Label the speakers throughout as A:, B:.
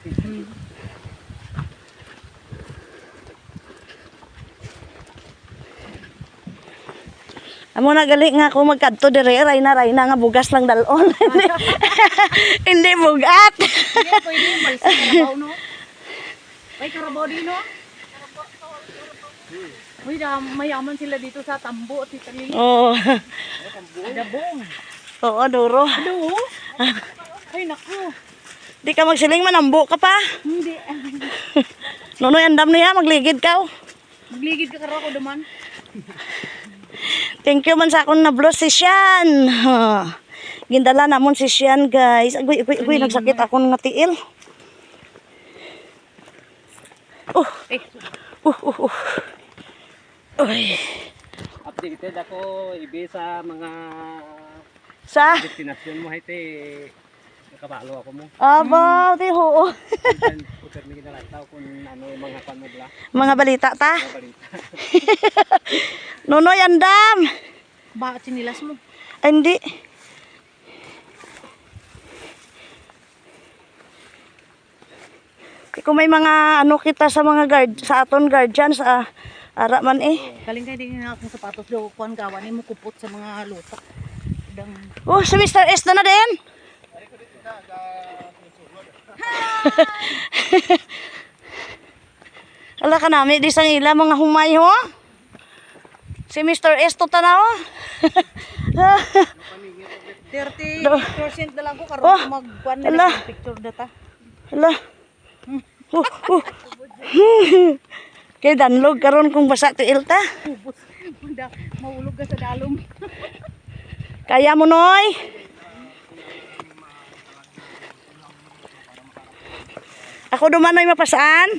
A: Amo na gali nga ako magkadto dire, ray na nga bugas lang dalon. Hindi bugat.
B: Hindi, pwede yung balsa karabaw, no? May karabaw din, no? Uy, mayaman sila dito sa Tambo at Italili.
A: Oo.
B: Dabong.
A: Oo, duro.
B: Ano? Ay, naku.
A: Di ka magsiling manambo ka pa.
B: Hindi.
A: Nunoy andam niya, magligid ka.
B: Magligid ka karo ko duman.
A: Thank you man sa akong na-blow si Sian. Gindala namon si Sian, guys. Agoy, nagsakit akong nga tiil. Uy.
C: Updated ako ibe sa mga destinasyon mo hite nakabalo ako mo.
A: Aba, di ho.
C: Puter mi ginalataw kung ano yung mga panudla.
A: Mga balita ta.
C: Mga balita.
A: Nunoy andam.
B: Bakit sinilas mo?
A: Ay, hindi. Kung may mga ano kita sa mga sa aton guardians, ara man eh.
B: Galing kayo din nga akong sapatos daw kuhan gawan mo kupot sa mga lutak.
A: Oh, si Mr. S na din. Ala ka nami di sang ila mga humay ho. Si Mr. S to tanaw.
B: 30% na lang ko karon magkuhan na lang picture data.
A: Ala. Kay danlog karon kung basa tiil ta.
B: Maulog ka sa dalom.
A: Kaya mo noy. Ako duman noy mapasaan.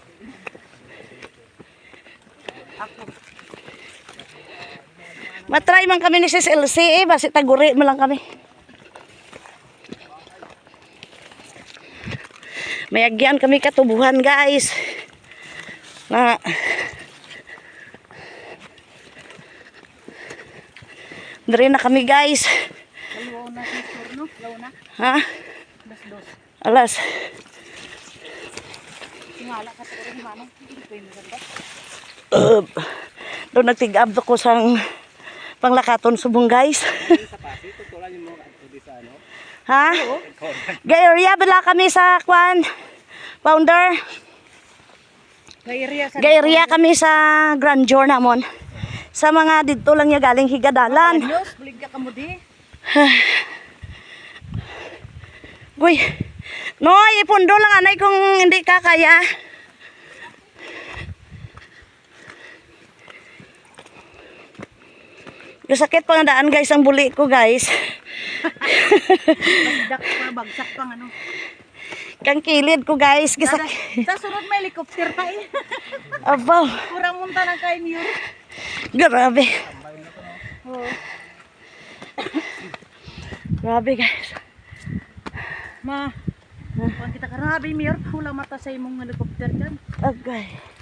A: Matry man kami ni Sis LC basi taguri mo lang kami. Mayagyan kami katubuhan guys. Na Dari na kami guys.
B: Law na picture no? Law na.
A: Ha?
B: Dos.
A: Alas.
B: Tingala ka sa rin manong. Pwede ganda.
A: Doon nagtig-up ko sang panglakaton subong guys.
C: Sa pasi tutulan yung mga di sa ano.
A: Ha? Gay-area bala kami sa kwan. Founder. Gay-area kami sa Grandeur namon. Sa mga dito lang niya galing higadalan.
B: News, bulig ka mo di.
A: Uy. Noy, ipundo lang anay kung hindi ka kaya. Sakit pa nga daan guys ang buli ko guys.
B: Bagsak pang ano.
A: Kang kilid ko guys.
B: Sa sunod may helicopter pa eh.
A: Abaw.
B: Kurang munta ng kay Muir.
A: Grabe. Grabe guys.
B: Ma. Kung kita karabi Muir, hula mata sa imong helicopter dyan.
A: Agay.